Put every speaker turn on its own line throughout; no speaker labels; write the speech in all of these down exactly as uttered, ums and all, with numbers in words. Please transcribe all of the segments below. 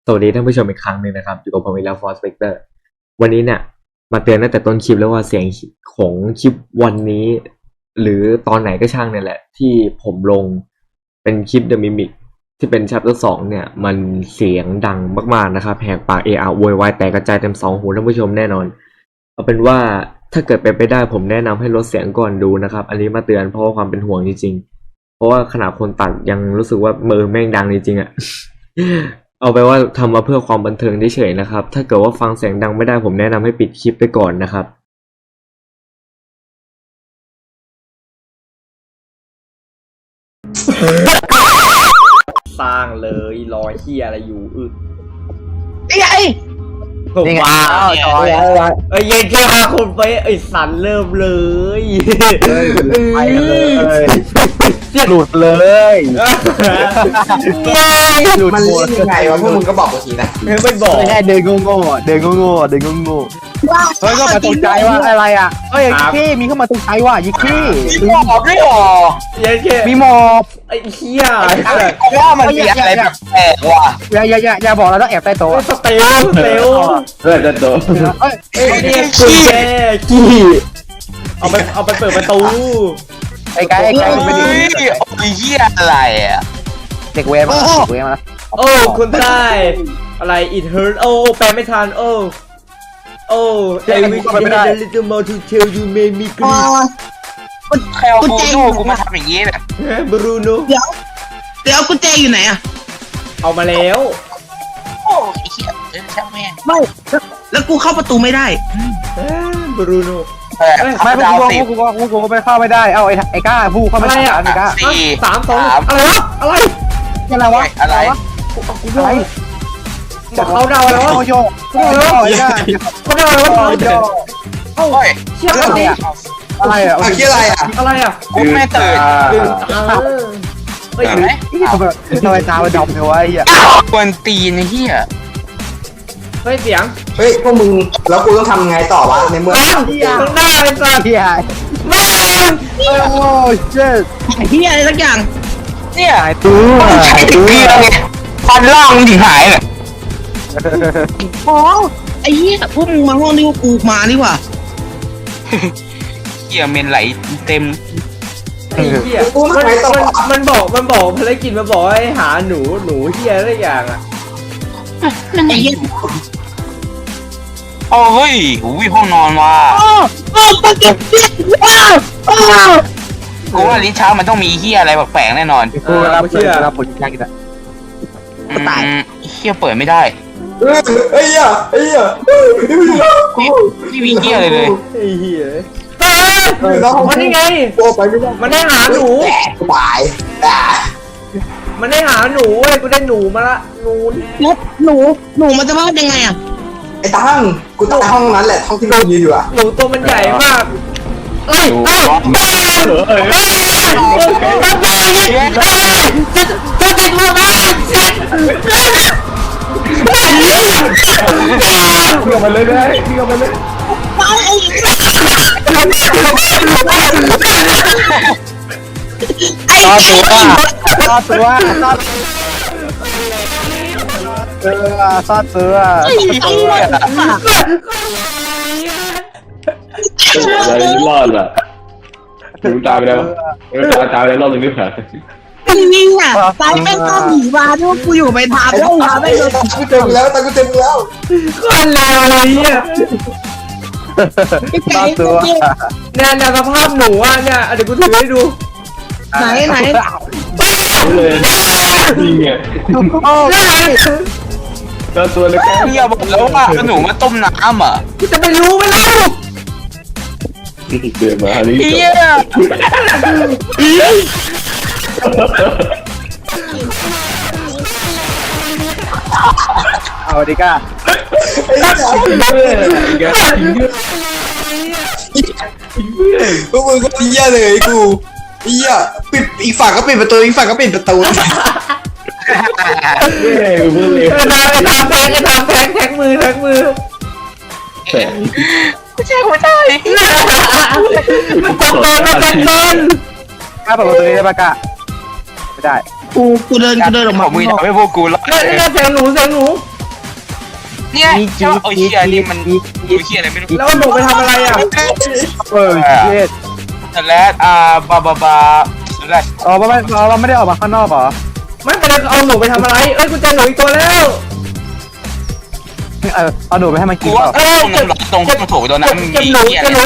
สวัสดีท่านผู้ชมอีกครั้งหนึ่งนะครับอยู่กับผมอีกแล้ว Force Vector วันนี้เนี่ยมาเตือนตั้งแต่ต้นคลิปแล้วว่าเสียงของคลิปวันนี้ หรือตอนไหนก็ช่างเนี่ยแหละที่ผมลงเป็นคลิป The Mimic ที่เป็น Chapter สองเนี่ยมันเสียงดังมากๆนะครับแหกปากเออะโวยวายแตกกระจายเต็มสองหูท่านผู้ชมแน่นอนเอาเป็นว่าถ้าเกิดเป็นไปได้ผมแนะนำให้ลดเสียงก่อนดูนะครับอันนี้มาเตือนเพราะว่าความเป็นห่วงจริงๆเพราะว่าขนาดคนตัดยังรู้สึกว่ามือแม่งดังจริงๆอะเอาไปว่าทำมาเพื่อความบันเทิงเฉยๆนะครับถ้าเกิดว่าฟังเสียงดังไม่ได้ผมแนะนำให้ปิดคลิปไปก่อนนะครับสร้างเลยรอยเฮียอะไรอยู่อึ
นี่ไง
ผมว่า
จอย
เอ้ยเย็นแค่ห้าคนไปไอ้สันเริ่มเลย
ไปเลยหลุดเลยหลุด
มัน
หม
เล่
ด
นยังไงวะพวกมึงก็บอกกูทีนะ
ไม่บอก
แค่เดินโง่ๆเดินโง่ๆเดินโง่ๆเฮ้ยก็มาตกใจว่าอะไรอ่ะเฮ้ยพี่มีเข้ามาตกใจว่ายิกพี่มีหมอบด้วยหรอ
เย็นแค่
มีหมอบ
ไอ้เฮีย
ว่ามันมีอะไรแบบแปลกว่ะอย่าอย่าอย่าอย่าบอกเราต้องแอบใต้โต๊ะ
สเตลสเตล
เออจะโดน
เฮ้ย
ไอ้เนี่ยกุญแจกี้เอาไปเอาไปเปิดประตู
ไอ้ไก่ไอ้ไก่เป็น
โอ้ยเหี้ยอะไรอ่ะ
เด็กเวรมาเด็กเวรมา
โอ้คุณได้อะไร it hurt โอ้แปลไม่ทันโอ้โอ้ I wish I had a little more to tell you made me cry
ใครเอากูโน่กูมาทำอย่างนี้เนี่ย
บรูโน
เดี๋ยวเดี๋ยวกุญแจอยู่ไหนอะ
เอามาแล้ว
โอ้ยเหี้ยเดินช่างแม่ง
ไม่แล้วกูเข้าประตูไม่ได้
บรูโน
ไม่พวกกูพวกกูพวกกูก็ไปเข้าไม่ได้เอาไอ้ไอ้ก้าผู้เข้าไม่ได้ไอ้ก้า
สี่
สามสองอะไรวะอะไร
อะไรวะ
อะไร
อะไร
บอกเขาเดาแล้ว
โยโย่โยไอ้ก้า
เขาเดาแล้วว่า
โย
โอ้ย
เชี่ยอะไร
อะไรอ่ะ
อ่ะคิดอะไรอ่ะ
อะไรอ่ะ
กูไม่ตื่น
ดึงเฮ้ย
เห็นไหม
ทำไมตามันดำเลยวะไอ้เหี้ย
กวนตีนไอ้เหี้ย
เฮ้ยเสียง
เฮ้ยพวกมึงแล้วกูต้องทำไงต่อวะในเมื่อ
ข้างหน้าเลยสัตว์
เหี้ยโอ้ยเจ๊
ไอ้เหี้ยอะไรสักอย่าง
เนี่ย
หายตัว
ต้องใช้ถึงเกลือไงฟันล่างมันถึงหายเลย
อ๋อไอ้เหี้ยพวกมึงมาห้องนี้กูมานี่หว่า
เหี้ยเมนไหลเต็ม
ไอ้เหี้ยมันมันบอกมันบอกภารกิจมันบอกให้หาหนูหนูเหี้ยอะไรอย่างอ่ะ
ไอ้เหี้ย
โอ้เฮ้ยหูยห้องนอนว่ะ
อ๋ออ๋อปะเก็บเสียอ้าวอ้าว
กูว่าลิ้นช้ามันต้องมีเหี้ยอะไรแปลกๆแน่นอน
กูรับเชื่อรับผลยากกินอ่ะ
อืมเหี้ยเปิดไม่ได้
เออไอ้เหี้ยไอ้เหี้ย
ไม่มีเหี้ยเลยเลย
ไอ้เหี้ยเฮ้ยมันนี่ไง
โอ้ไปไม่ได้
มันได้หาหนู
แตกตายอ่ะ
มันได้หาหนูเว้ยกูได้หนูมาละหนู
แล้วหนูหนูมันจะพลาดยังไงอะ
ไอ้ตั้งกูตายห้องนั้นแหละห้องที่มึงยืนอยู่อ่ะ
หนูตัวมันใหญ่มากเอ้ยเอ้ยเอ้ยเอ้ยเอ้ยจะติดมือมา
เกี่ยวมันเลยได้เกี่ยวมันเลย
ไปไอ้
ต่อตัวต่อตัวต่อเออต่อตัว
ไอ้ไอ้
อะไรรอดอ่ะถึงตายไปแล้วเออตายตายไปแล้วรอบหนึ่งไม่ผ่าน
ไอ้นี่อะตายแม่งตามหนีมาด้วยกูอยู่ไปทางแล้วมาไม่โดน
กูเจอมึงแล้วตั้งกูเจอมึงแล้ว
คนเลวเลยเนี่ย
ต่อตัว
เนี่ยเนี่ยสภาพหนูอ่ะเนี่ยเดี๋ยวกูถือให้ดู
ไหนไหน
เลยจริงอ่ะ
โอ้ย
ก็ตัวเล็ก
เหี้ยบอกแล้วว่าหนูมาต้มน้ำอ่ะ
กูจะไปรู้ไหมล่ะ
เดินมาฮาริ
เหี้ย
เอาดิก้า
พวกมึงก็เหี้ยเลยกูเหี้ยปิดอีกฝั่งก็ปิดประตูอีกฝั่งก็ปิดประตู
เฮ้ยเพื่อนเลย
เออทำแทงทำแทงแทงมือแทงมือ
แต่
ไม่ใช่หัวใจ
มันตะโกนมันตะโกน
ก้าเปิดประตูนี้ได้ปะก้าไม่ได้
กูกูเดินกูเดินออก
ข
มา
องมึงทำให้พวกกูรอด
เนี่ยเนี่ยเสียงหนูเสียงหนู
เนี่ยใช่ป่ะโอ้ยเฮียนี่มันดูเฮียอะไรไม่รู้
แล้วหนูไปทำอะไรอ่ะเออเย็ด
แต่แล้วอ่าบาบาบาแล้ว
อ๋อเราไม่เราไม่ได้ออกมาข้างนอกเหรอไม่เป็นไรเอาหนูไปทำอะไรเอ้ยกูเจอหนูอีกตัวแล้วเออเอาหนูไปให้มัน
กู
กิน
ว่า
เปล่า
ตรงตรงที่มันถูกตัวนั้นมีเฮียอะไร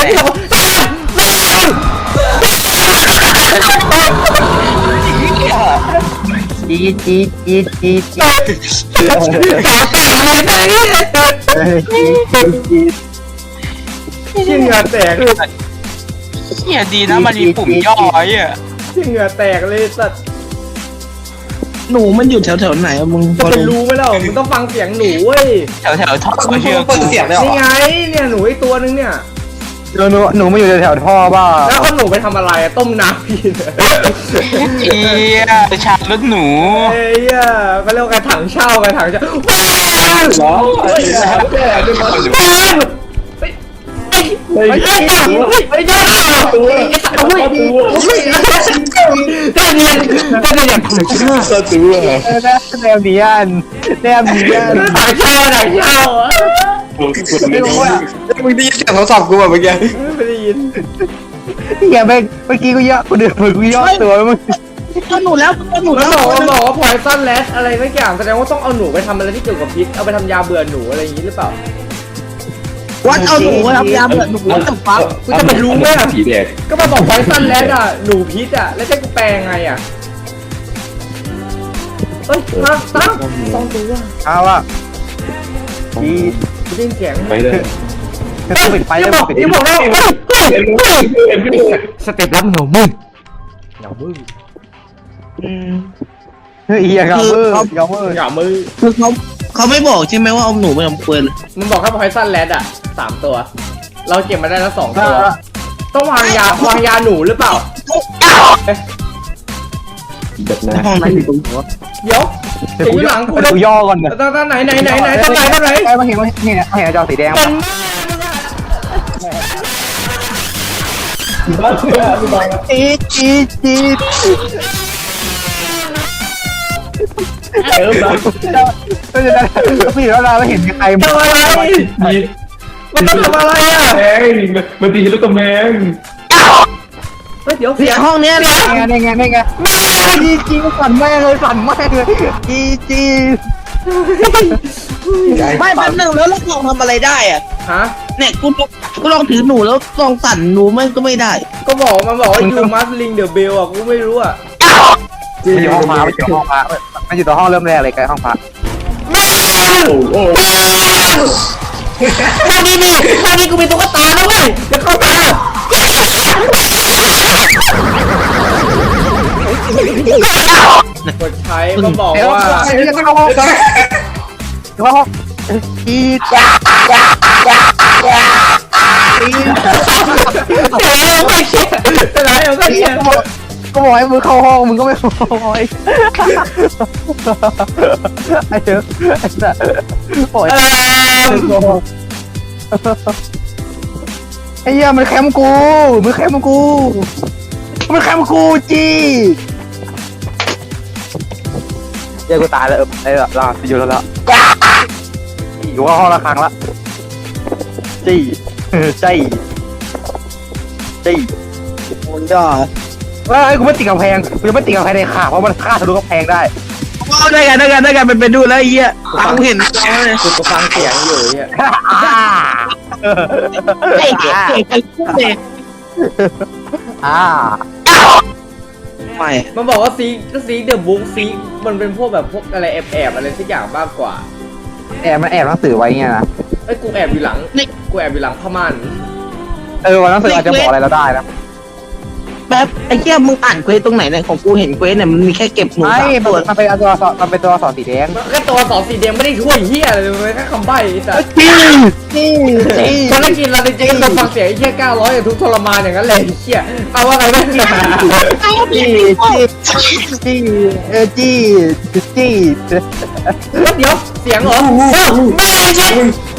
จีจีจีจีจีชื่อเหงื่อแตก
เฮียดีนะมันมีปุ่มย่อไอ้เหี้ย
ชื่อเหงื่อแตกเลยสัตว์
หนูมันอยู่แถวแถวไหนอะมึง
จะเป็นรู้ไหมล่ะมึงต้องฟังเสียงหนูเว้ย
แถวแถวท่อ
มึง
เชื่อ
เปิ
กู
ดเสียงเลยเหร
นี่
อ
ไงเนี่ยหนูอีกตัวนึงเนี่ยหนูหนูมาอยู่แถวท่อบ้าแล้วเอาหนูไปทำอะไรต้มน้ำพี่
เฮียชาลดหนู
เฮ้ยก็เรียกว่าการถังเช่าการถังเช่าว้าว
หรอไอ้แล้วแก่ด้วยมั้ย
ว้าวไอ้เจ้าไอ้เจ้าตัวตัวได้เรียนได้เรียนถังเช่า
ตัว
แนวเนียนแนวเนียนถังเช่าถังเช่า
ไม่รู้อ่ะมึงได้ยินเสียงโทรศัพท์กูแบบเมื่อกี้
ไม่ได้ยินอย่าไปเมื่อกี้กูย่อกูเดือดกูย่อตัวมึง
เอาหนูแล้วเอาหนู
แล้
แล้ว ว
บอกว่าบอกว่าพอยซันแลสอะไรสักอย่างแสดงว่าต้องเอาหนูไปทำอะไรที่เกี่ยวกับพิษเอาไปทำยาเบื่อหนูอะไรอย่างนี้หรือเปล่า
วัดเอาหนูไปทำยาเบื่อหนูจะฟัก
กูจะไปรู้ไหมอ่ะ
ผีแดง
ก็มาบอกพอยซันแลสอ่ะหนูพิษอ่ะแล้วจะกูแปลงไงอ่ะเฮ้ยตั้งตั้งต้องตัวเอาอ่ะดีดิ้นเสียง
ไปเลย
ปิดไฟแล้วปิดบอกแล้วสเต็ปรับเหงามืดเหงามืดเฮ้ยเหงามืดเหงามืดเหงามืด
คือเขาเขาไม่บอกใช่ไหมว่าเอาหนูไปทำเปืน
มันบอกแค่พอยซันแลดอ่ะสามตัว เราเก็บมาได้แล้วสองตัว ต้องวางยาวางยาหนูหรือเปล่า
แบบนั้น
ห้องไหนอยู่ตรงหัว
เดี๋ยวเสียงอยู่หลังกูนะ
ย่อก่อนเนี่ย
ตอนไหนไหนไหนไหนตอนไหนตอนไหน
ใกล้มาเห็นว่านี่นะเห็นจอสีแดง
เป็น
จีดจีดจีด
เออแบบ
ก็จะได้พี่แล้วเราเห็นใคร
ทำอะไรมันต้องทำอะไรอ่ะ
แพงมันตีลูกกำแพง
เฮ้ยเดี๋ยว
เสี
เสี
ย
ย
ง
ง
ห้องเนี้ยนะ
ไงไงไงไงจีจีสั่นแม่เลยสั่นแม่เลยจีจี
ไม่แป๊บนึงแล้วเราลองทำอะไรได้อ่ะ
ฮะ
เนี่ยกูกูลองถือหนูแล้วลองสั่นหนูมันก็ไม่ได้
ก็บอกมันบอกว่า you must ring the bell อ่ะกูไม่รู้อ่ะ
ไม่อยู่ห้องพระไม่อยู่ห้องพระไม่อยู่ตัวห้องเริ่มแรกเลยใกล้ห้องพระ
โอ้โห
ตอนนี้นี่ตอนนี้กูมีตุ๊กตาแล้วเว้ยเดี๋ยวเข้ามากดใช้ก็บอกว่า
ไอ้เรื่องเข้าห้องเข้าห้องจีดจีด
เป็นไรเอาก็เชีย
ก็บอกให้มึงเข้าห้องมึงก็ไม่เข้าห้องไอ้เจ้าไอ้สัสโอ้ยไอ้เหี้ยมันแคมกูมันแคมกูมันแคมกูจีเดี๋ยวกูตายแล้วเออไอ้ละลาอยู่แล้วละอยู่ห้องละครั้งละจี้จี้จี้
โอ้ยยอด
เฮ้ยกูไม่ติดกำแพงกูจะไม่ติดกำแพงในขาเพราะมันฆ่าทะลุกำแพงได้
ได้กันได้กันได้กันเป็นไปดูแล้วไอ้เหี้ยตามกูเห็นเราเลย
กูก็ฟังเสียงอยู่เนี่ย
ไอ้เด็กไอ้คู่เด็ก
อ่า
ไม่
มันบอกว่าซีซีเดอะบุ๊กซีมันเป็นพวกแบบพวกอะไรแอบแอบอะไรสักอย่างมากกว่า
แอบมันแอบหนังสือไว้เงี้ยนะ
เอ้ยกูแอบอยู่หลังกูแอบอยู่หลังผ้าม่าน
เออวันหนังสืออาจจะบอกอะไรเราได้นะ
แป๊บไอ้เหี้ยมึงอ่านเควสตรงไหนเนี่ยของกูเห็นเควสเนี่ยมันมีแค่เก็บหนู
ไม่
สาม
มัน
ตัว
มันเป็นตัวสอมันเป็นตัวสอสีแดง
แค่ตัวสองสีแดงไม่ได้ช่วยเฮียอะไรเลยแค่คำใบ้ไอ้สัส
จี้จี้จี้
ภารกิจเราจริงๆเราฟังเสียงไอ้เฮียเก้าร้อยอย่างทุกทรมานอย่างนั้นเลยไอ้เฮียเอาว่าไงบ้าง
จี้จี้จี้เออจี้จี้
เดี๋ยวเสียงเหรอไม่ใช่
จี้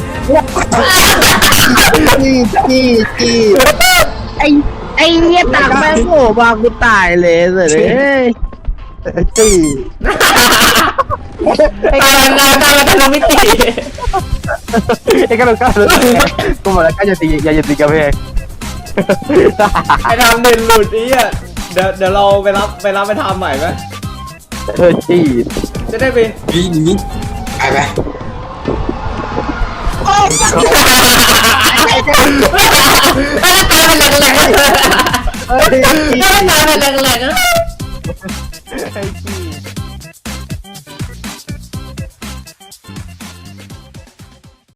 จี้จี้
ไอ้ไอ้เหี้ยตักแม่งโผล่มากูตายเลยเลย
จี้
ตาลาตาลาตาลามิติ
ไอ้กระโดดกระโดดกูบอกแล้วก็จะตีอย่าอย่าตีกระเพง
ไอ้ทำเด่นหลุดนี้อ่ะเดี๋ยวเดี๋ยวเราไปรับไปรับไปทำใหม่ไหม
เออจี้
จะได้ไป
นี่นี่ไปไป
ตาเป็นแหลกๆตาเป็นแหลกๆ